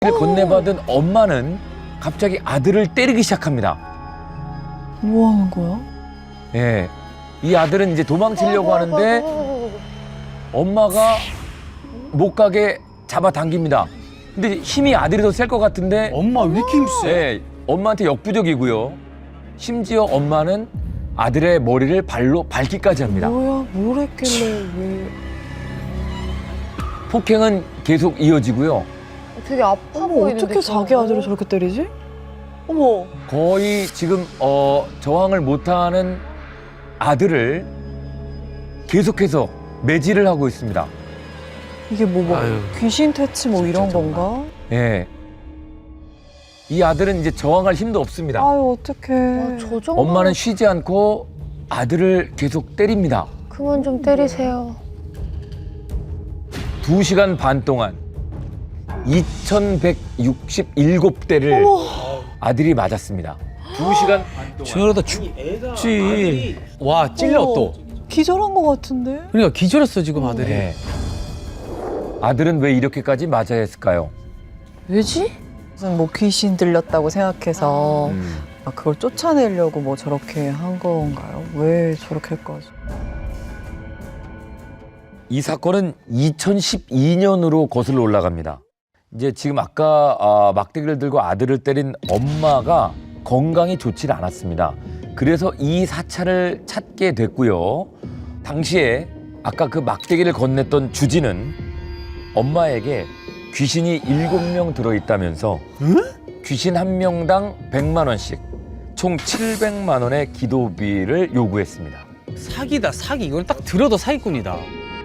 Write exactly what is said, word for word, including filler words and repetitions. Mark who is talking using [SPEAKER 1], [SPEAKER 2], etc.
[SPEAKER 1] 를 건네받은 엄마는 갑자기 아들을 때리기 시작합니다.
[SPEAKER 2] 뭐 하는 거야?
[SPEAKER 1] 예, 이 아들은 이제 도망치려고 하는데 엄마가 못 가게 잡아당깁니다. 근데 힘이 아들이 더 셀 것 같은데
[SPEAKER 3] 엄마 왜 이렇게 힘세?
[SPEAKER 1] 예, 엄마한테 역부족이고요. 심지어 엄마는 아들의 머리를 발로 밟기까지 합니다.
[SPEAKER 2] 뭐야, 뭘 했길래 왜?
[SPEAKER 1] 폭행은 계속 이어지고요.
[SPEAKER 4] 되게 아파
[SPEAKER 2] 어머,
[SPEAKER 4] 보이는데.
[SPEAKER 2] 어떻게 자기 아들을 저렇게 때리지? 어머,
[SPEAKER 1] 거의 지금 어, 저항을 못하는 아들을 계속해서 매질을 하고 있습니다.
[SPEAKER 2] 이게 뭐, 뭐
[SPEAKER 3] 아유,
[SPEAKER 2] 귀신 퇴치 뭐 이런
[SPEAKER 3] 정말.
[SPEAKER 2] 건가?
[SPEAKER 1] 예. 이 아들은 이제 저항할 힘도 없습니다.
[SPEAKER 2] 아유, 어떡해.
[SPEAKER 4] 아, 저 정도.
[SPEAKER 1] 엄마는 쉬지 않고 아들을 계속 때립니다.
[SPEAKER 4] 그만 좀 때리세요.
[SPEAKER 1] 두 시간 반 동안 이천백육십칠 대를 아들이 맞았습니다. 두 시간 반 동안.
[SPEAKER 3] 저러다 죽지. 와 찔러
[SPEAKER 2] 어머,
[SPEAKER 3] 또.
[SPEAKER 2] 기절한 것 같은데?
[SPEAKER 3] 그러니까 기절했어 지금 아들이.
[SPEAKER 1] 네. 아들은 왜 이렇게까지 맞아야 했을까요?
[SPEAKER 2] 왜지? 무슨 뭐 귀신 들렸다고 생각해서
[SPEAKER 1] 음.
[SPEAKER 2] 아, 그걸 쫓아내려고 뭐 저렇게 한 건가요? 왜 저렇게까지?
[SPEAKER 1] 이 사건은 이천십이 년으로 거슬러 올라갑니다. 이제 지금 아까 아, 막대기를 들고 아들을 때린 엄마가 건강이 좋지 않았습니다. 그래서 이 사찰을 찾게 됐고요. 당시에 아까 그 막대기를 건넸던 주진은 엄마에게 귀신이 일곱 명 들어있다면서 귀신 한 명당 백만 원씩 총 칠백만 원의 기도비를 요구했습니다.
[SPEAKER 3] 사기다 사기. 이건 딱 들어도 사기꾼이다.